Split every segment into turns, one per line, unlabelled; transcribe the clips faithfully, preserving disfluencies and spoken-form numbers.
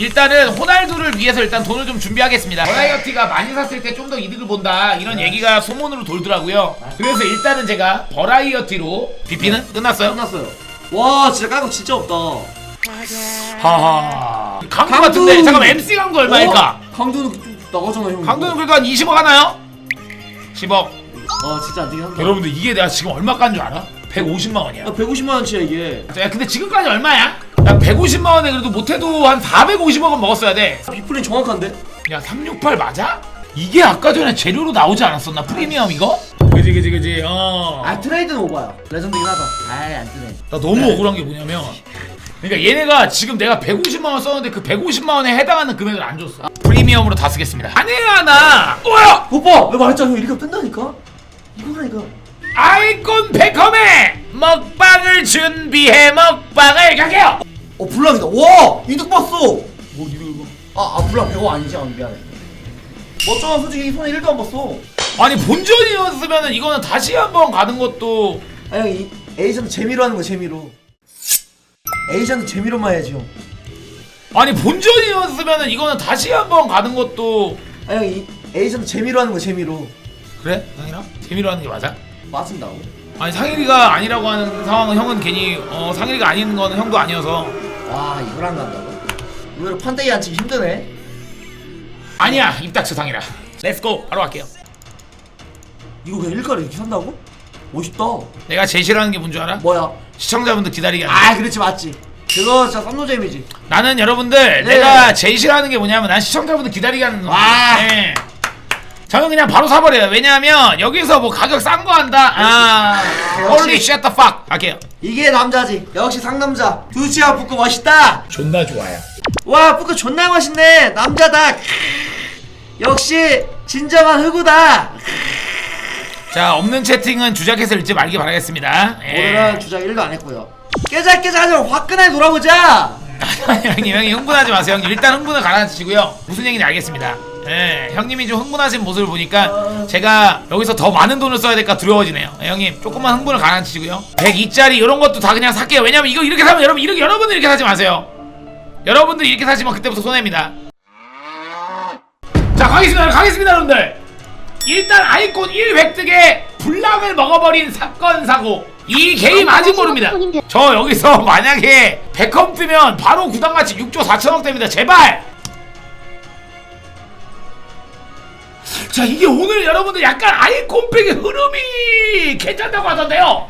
일단은 호날두를 위해서 일단 돈을 좀 준비하겠습니다. 버라이어티가 많이 샀을 때 좀 더 이득을 본다 이런 얘기가 소문으로 돌더라고요. 그래서 일단은 제가 버라이어티로 비피는 끝났어요?
끝났어요. 와 진짜 까고 진짜 없다.
하하 강두
강두!
같은데 잠깐만 엠씨 강두 얼마일까?
어? 강두는 좀 나가잖아 형.
강두는 그러니까 한 이십억 하나요? 십억.
아 진짜 안 되긴 한다.
여러분들 이게 내가 지금 얼마 깐 줄 알아? 백오십만 원이야.
야 백오십만 원치야 이게.
야 근데 지금까지 얼마야? 야 백오십만 원에 그래도 못해도 한 사백오십억은 먹었어야 돼.
비플린 정확한데?
야 삼백육십팔 맞아? 이게 아까 전에 재료로 나오지 않았었나? 프리미엄 이거? 그지 그지 그지 어.
아 트레이드는 오바야. 레전드긴 하다. 아이 안 뜨네.
나 너무
네.
억울한 게 뭐냐면 그러니까 얘네가 지금 내가 백오십만 원 썼는데 그 백오십만 원에 해당하는 금액을 안 줬어. 프리미엄으로 다 쓰겠습니다. 안 해야 나. 뭐야?
오빠 왜 말했잖아 형 이렇게 뜬다니까? 이거라니까.
아이콘 베컴의 먹방을 준비해 먹방을 가게요.
어 블랑이다. 와 이득 봤어. 뭐 이득 이거? 아, 아 블랑 백오 아니지? 아 미안해. 멋쩡아 솔직히 손에 일도 안 봤어.
아니 본전이었으면은 이거는 다시 한번 가는 것도.
아 형 이 에이전트 재미로 하는 거 재미로. 에이전트 재미로만 해야지 형.
아니 본전이었으면은 이거는 다시 한번 가는 것도.
아 형 이 에이전트 재미로 하는 거 재미로.
그래? 상일아? 재미로 하는 게 맞아?
맞은다고?
아니 상일이가 아니라고 하는 상황은 형은 괜히 어 상일이가 아닌 거는 형도 아니어서.
와 이걸 안 간다고? 의외로 판때기 안 치기 힘드네.
아니야 입 닥쳐 상일아. 렛츠고 바로 갈게요.
이거 그냥 일가를 이렇게 산다고? 멋있다.
내가 제일 싫어하는 게 뭔 줄 알아?
뭐야?
시청자분들 기다리게 하는
아 그렇지 맞지. 그거 진짜 썸노잼이지.
나는 여러분들
네.
내가 제일 싫어하는 게 뭐냐면 난 시청자분들 기다리게 하는 거.
와.
네. 저는 그냥 바로 사버려요. 왜냐하면 여기서 뭐 가격 싼 거 한다. 아, holy shut the fuck. 갈게요.
이게 남자지. 역시 상남자. 두치야 푸크 멋있다.
존나 좋아요.
와 푸크 존나 멋있네. 남자다. 역시 진정한 흑우다.
자 없는 채팅은 주작해서 읽지 말기 바라겠습니다. 예.
오늘은 주작 일도 안 했고요. 깨작깨작 하지 말고 화끈하게 놀아보자.
형님 형님 흥분하지 마세요. 형님 일단 흥분을 가라앉히시고요. 무슨 얘기인지 알겠습니다. 예, 형님이 좀 흥분하신 모습을 보니까 제가 여기서 더 많은 돈을 써야 될까 두려워지네요. 예, 형님 조금만 흥분을 가라앉히시고요. 백이짜리 이런 것도 다 그냥 살게요. 왜냐면 이거 이렇게 사면 여러분 이렇게 여러분들 이렇게 사지 마세요. 여러분들 이렇게 사시면 그때부터 손해입니다. 자 가겠습니다. 가겠습니다 여러분들. 일단 아이콘 일 획득에 불량을 먹어버린 사건 사고. 이 게임 아직 모릅니다. 저 여기서 만약에 백컴 뜨면 바로 구단가치 육조 사천억 됩니다. 제발. 자 이게 오늘 여러분들 약간 아이콘팩의 흐름이 괜찮다고 하던데요.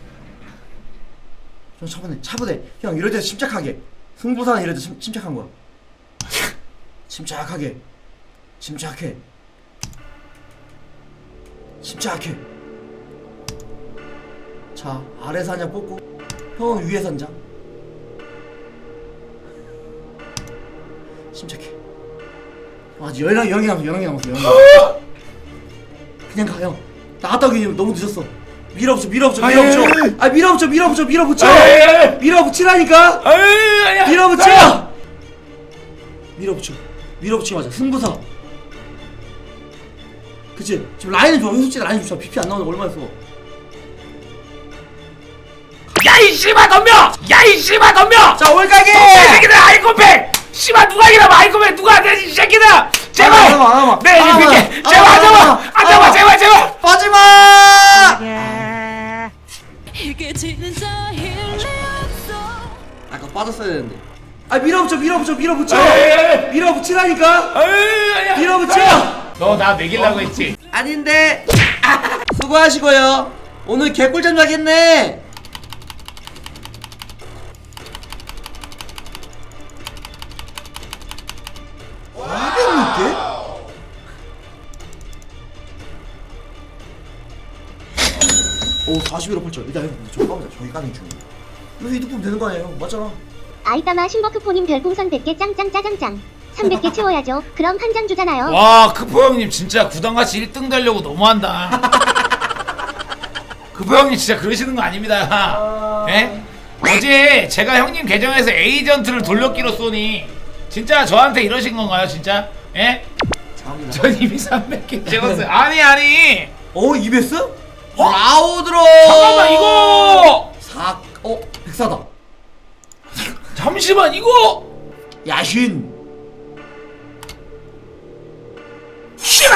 형 차분해 차분해. 형 이럴 때 침착하게. 승부사는 이럴 때 침, 침착한 거야. 침착하게. 침착해. 침착해. 자 아래서 한 장 뽑고 형은 위에서 한 장. 침착해. 형 아직 열랑 열개 남았어. 열개 남았어. 열개 남았어. 그냥 가 형. 나갔다 오기 너무 늦었어. 밀어붙여 밀어붙여 밀어붙여. 아 밀어붙여 밀어붙여 밀어붙여. 밀어붙이라니까. 밀어붙여. 밀어붙여. 밀어붙여 맞아. 승부사. 그치? 지금 라인은 좋아. 솔직히 라인 좋아. 비피 안 나오는 거 얼마나 써.
야이 씨발 덤벼! 야이 씨발 덤벼!
자 올가게!
이 새끼들 아이콘팩! 씨발 누가 이기나 아이콘팩 누가 안되지 이 새끼들! 제발!
안 와봐, 안 와봐.
네
안 와봐.
이렇게
안
제발
와봐,
안잡아!
안 와봐.
안잡아 제발 제발!
빠지마! 아까 빠졌어야 되는데. 아 밀어붙여 밀어붙여 밀어붙여!
에이.
밀어붙이라니까!
에이,
밀어붙여!
너 나 매기려고 했지?
아닌데. 수고하시고요. 오늘 개꿀잠 자겠네. 이백육 개? 오 사십일 억 팔천. 일단 형 저기 까보자. 저기 까는 게 중요해. 여기서 이득 보면 되는 거 아니야 형? 맞잖아.
아이따마 신버크포님 별풍선 백 개 짱짱 짜장짱 삼백 개 채워야죠. 그럼 한 장 주잖아요.
와 크포 형님 진짜 구단같이 일 등 되려고 너무한다. 크포 형님 진짜 그러시는 거 아닙니다. 예? 어제 제가 형님 계정에서 에이전트를 돌려끼로 쏘니 진짜 저한테 이러신 건가요 진짜? 예?
감사합니다.
전 이미 삼백 개 찍었어요. 아니 아니
어 이베스?
어?
라우드로.
잠깐만 이거
사. 어 백사다.
잠시만 이거
야신.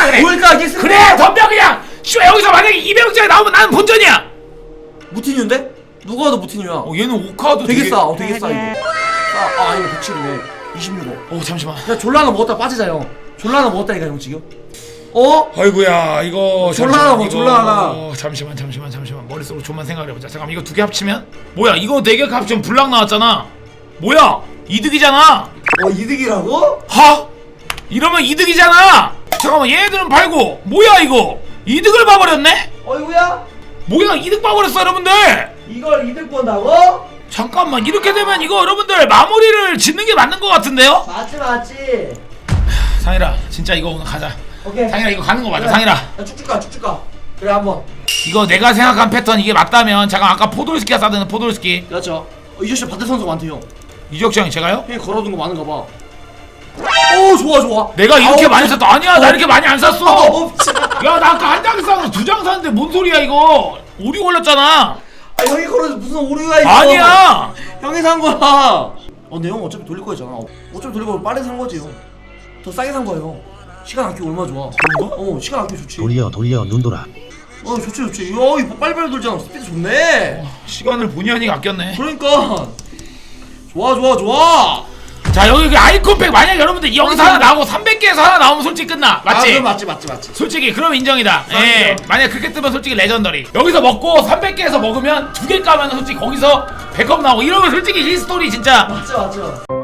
그래.
뭘까 이게 승부.
그래 덤벼 그냥. 씨발 여기서 만약에 이백억짜리 나오면 나는 본전이야.
무티뉴인데? 누가 더 무티뉴야?
어 얘는 오카도
되게
되게
싸. 어, 되게 싸 이거. 싸. 아 이거 백칠이네. 이십육억.
어 잠시만.
야 졸라나 먹었다 빠지자 형. 졸라나 먹었다니까 형 지금. 어?
아이고야 이거
졸라나 뭐,
이거-
졸라나.
어, 잠시만 잠시만 잠시만 머릿속으로 좀만 생각을 해보자. 잠깐 이거 두 개 합치면 뭐야 이거 네 개 합치면 불락 나왔잖아. 뭐야 이득이잖아.
어 이득이라고?
하? 이러면 이득이잖아. 잠깐만 얘네들은 팔고 뭐야 이거 이득을 봐버렸네?
어이구야?
뭐야 이득 봐버렸어 여러분들.
이걸 이득 본다고?
잠깐만 이렇게 되면 이거 여러분들 마무리를 짓는 게 맞는 것 같은데요?
맞지 맞지.
상일아 진짜 이거 오늘 가자.
오케이.
상일아 이거 가는 거 맞아.
그래.
상일아
야, 쭉쭉 가 쭉쭉 가. 그래 한번.
이거 내가 생각한 패턴 이게 맞다면 잠깐 아까 포돌스키가 싸드는 포돌스키
그렇죠. 어, 이저씨 반대 선수가 많대요.
이적장이 제가요?
형이 걸어둔 거 많은가 봐. 오 좋아 좋아.
내가 이렇게
아우,
많이 샀다. 아니야 나 이렇게 많이 안 샀어.
어, 진짜.
야 나 아까 한 장 사서 두 장 샀는데 뭔 소리야 이거. 오류 걸렸잖아.
아 형이 걸어도 무슨 오류가 있어.
아니야.
형이 산 거야. 어 근데 형 어차피 돌릴 거잖아. 어차피 돌릴 거 빨리 산 거지 형. 더 싸게 산 거예요. 시간 아끼기 얼마나 좋아.
그런가?
어 시간 아끼기 좋지.
돌려 돌려 눈돌아.
어 좋지 좋지. 야 이거 빨리빨리 돌잖아. 스피드 좋네.
시간을 본의 아니게 아꼈네.
그러니까 좋아 좋아 좋아.
자 여기 그 아이콘팩 만약 여러분들 여기서 하나 나오고 삼백 개에서 하나 나오면 솔직히 끝나.
아,
맞지?
그럼 맞지 맞지 맞지.
솔직히 그럼 인정이다.
맞죠.
예. 만약 그렇게 뜨면 솔직히 레전더리. 여기서 먹고 삼백 개에서 먹으면 두 개 까면 솔직히 거기서 백업 나오고 이러면 솔직히 히스토리 진짜.
맞지 맞지.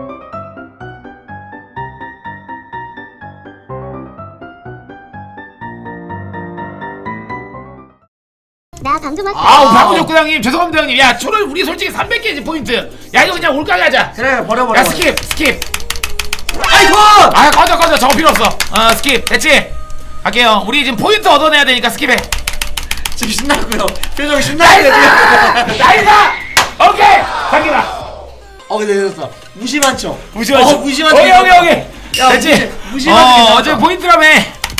나 방금 왔어.
아우 박우적 구장님 죄송합니다 형님. 야 초를 우리 솔직히 삼백 개지 포인트. 야 이거 그냥 올가게 하자.
그래 버려 버려.
야 스킵 스킵.
아이콘.
아 꺼져 꺼져 저거 필요 없어. 어 스킵 됐지? 갈게요. 우리 지금 포인트 얻어내야 되니까 스킵해.
지금 신나고요. 표정이 신나게.
나이스! 오케이! 갑니다.
어 근데 됐어. 무심한 척.
무시만
어, 무심한 척.
오케이 오케이 오케이.
야,
됐지?
무시- 무심한 척
어
괜찮다.
어제 포인트라며.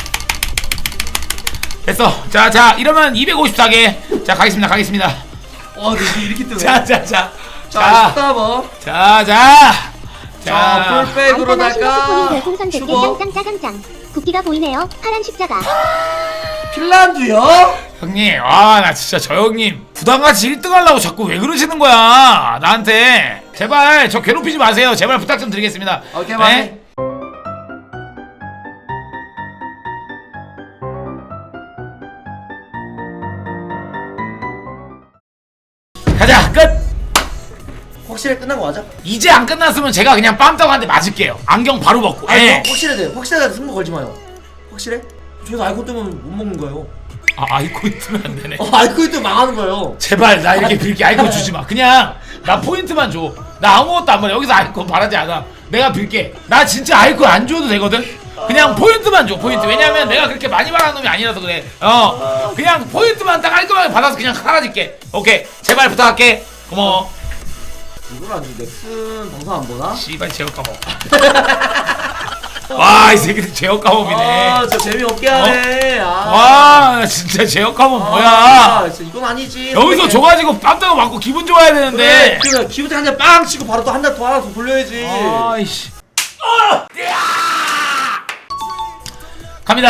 됐어. 자, 자, 이러면 이백오십사 개. 자, 가겠습니다. 가겠습니다.
어 근데 이게 이렇게 뜨네.
자, 자, 자.
자
자,
십사 번.
자, 자.
자
자,
아이따나
풀백으로다가
신호스포님 별풍선 백 개
슈거.
짱짱 짜장짱. 국기가 보이네요. 파란 십자가.
핀란드요?
형님. 아, 나 진짜 저 형님 부담같이 일 등 하려고 자꾸 왜 그러시는 거야? 나한테. 제발 저 괴롭히지 마세요. 제발 부탁 좀 드리겠습니다.
오케이
네?
맞네.
가자. 끝.
확실히 끝난 거 맞아?
이제 안 끝났으면 제가 그냥 빰따고 한 대 맞을게요. 안경 바로 벗고.
아니
예.
확실해 돼. 확실해. 승부 걸지 마요. 확실해? 저기서 아이콘 뜨면 못 먹는 거예요.
아, 아이콘 뜨면 안 되네.
어 아이콘 뜨면 망하는 거예요.
제발 나 이렇게 빌게 아이콘 주지 마. 그냥 나 포인트만 줘. 나 아무것도 안 말해. 여기서 아이콘 바라지 않아. 내가 빌게. 나 진짜 아이콘 안 줘도 되거든. 그냥 포인트만 줘. 포인트. 왜냐면 내가 그렇게 많이 말하는 놈이 아니라서 그래. 어. 그냥 포인트만 딱 깔끔하게 받아서 그냥 사라질게. 오케이. 제발 부탁할게. 고마워.
이걸 아주 넥슨 방송 안 보나?
씨발 제어 까먹. 와, 이 새끼들 제어 까먹이네.
아, 저 재미없게 하네. 아.
와, 진짜 제어 까먹 뭐야?
아, 진짜 이건 아니지.
여기서
선배님.
줘가지고 깜짝 맞고 기분 좋아야 되는데.
그래, 그래. 기분 한대 빵 치고 바로 또 한 대 더 하나 더 돌려야지.
아이씨. 아! 갑니다.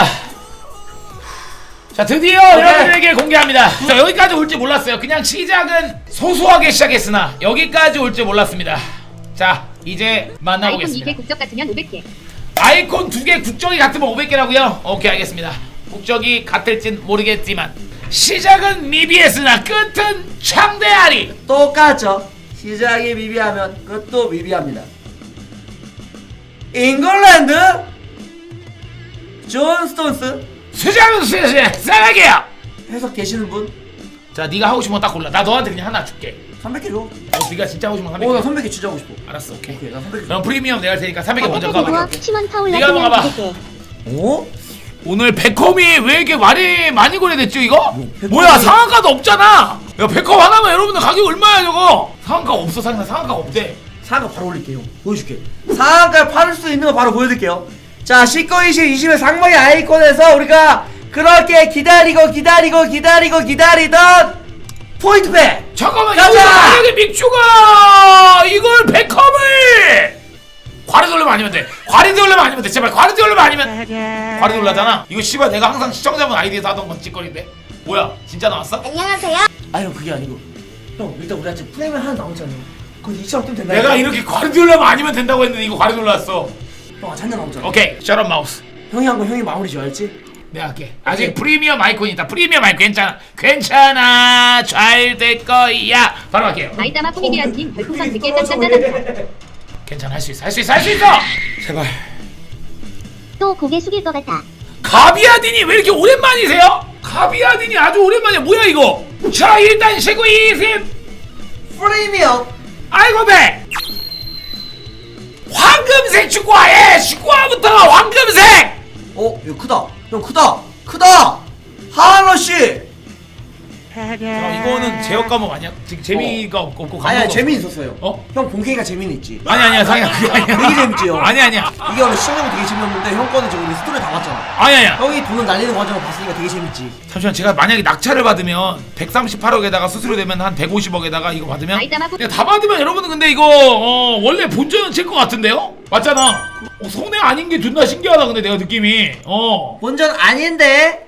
자, 드디어
오케이.
여러분들에게 공개합니다. 자, 여기까지 올 줄 몰랐어요. 그냥 시작은 소소하게 시작했으나 여기까지 올 줄 몰랐습니다. 자, 이제
아이콘
만나보겠습니다.
이 개 국적 같으면 오백 개.
아이콘 두 개 국적이 같으면 오백 개라고요? 오케이, 알겠습니다. 국적이 같을진 모르겠지만 시작은 미비했으나 끝은 창대하리.
똑같죠. 시작이 미비하면 끝도 미비합니다. 잉글랜드 존 스톤스
수장은 수장 사랑해요.
해석 계시는 분?
자, 네가 하고 싶은 거 딱 골라. 나 너한테 그냥 하나 줄게.
삼백 개 줘.
어, 네가 진짜 하고 싶은 거 삼백 개.
어, 나 삼백 개 진짜 하고 싶어.
알았어, 오케이.
오케이, 나 삼백 개.
그럼 프리미엄 내가 할 테니까 삼백 개 먼저
백개
까봐.
대부업 시몬 파울러
네가 한번 가봐.
그냥 개.
어?
오늘 백컴이 왜 이렇게 많이 많이 거래됐죠 이거?
백컴이-
뭐야 상한가도 없잖아. 야 백컴 하나면 여러분들 가격 얼마야 저거? 상한가 없어. 상한가 상한가 없대.
상한가 바로 올릴게요. 보여줄게. 상한가를 팔을 수 있는 거 바로 보여드릴게요. 자, 십구, 이십, 이십의 상방의 아이콘에서 우리가 그렇게 기다리고 기다리고 기다리고 기다리던 포인트백!
잠깐만
가자!
여기서 만약에 믹슈가 이걸 백컴을 과리돌레만 아니면 돼. 과리돌레만 아니면 돼. 제발 과리돌레만 아니면. 과리돌라잖아. 이거 씨발 내가 항상 시청자분 아이디에서 하던 건 찌꺼리인데. 뭐야? 진짜 나왔어?
안녕하세요.
아 형 그게 아니고 형 일단 우리 아직 프레임이 하나 남았잖아요. 그거 이처럼 뜨면 된다.
내가 이렇게 과리돌레만 아니면 된다고 했는데 이거 과리돌랐어.
형 아직 한장 남았잖아.
오케이. 셔럿 마우스.
형이 한 거 형이 마무리 지어야지.
내가 할게. 아직 프리미엄 아이콘이 있다. 프리미엄 아이콘 괜찮아. 괜찮아. 잘 될 거야. 바로 할게요.
아이따마 코미디언님 별풍선 백 개 짱짱짱짱.
괜찮아. 할 수 있어. 할 수 있어. 할 수 있어. 제발.
또 고개 숙일 것 같아.
가비아딘이 왜 이렇게 오랜만이세요? 가비아딘이 아주 오랜만이야. 뭐야 이거? 자 일단 쉬고 이심.
프레임이요.
아이고 배. 황금색 축구화에 축구화부터 황금색.
어 이거 크다. 형 크다. 크다. 하하러씨.
야, 이거는 제역 과목 아니야? 지금 재미가 없고 없고
아니야
과목도
재미
없어.
있었어요.
어?
형 본캐가 재미는 있지.
아니 아니야 상이야 그게 아니야.
되게 재밌지, 형.
아니 아니야.
이게 원래 시청자분 되게 재미없는데 형 거는 지금 우리 스토리 다 봤잖아.
아니 아니야.
형이 돈을 날리는 과정을 봤으니까 되게 재밌지.
잠시만 제가 만약에 낙찰을 받으면 백삼십팔억에다가 수수료되면 한 백오십억에다가 이거 받으면
아이따마 코
내가 다 받으면 여러분은 근데 이거 어, 원래 본전은 칠 것 같은데요? 맞잖아. 어, 손해 아닌 게 존나 신기하다 근데 내가 느낌이 어
본전 아닌데.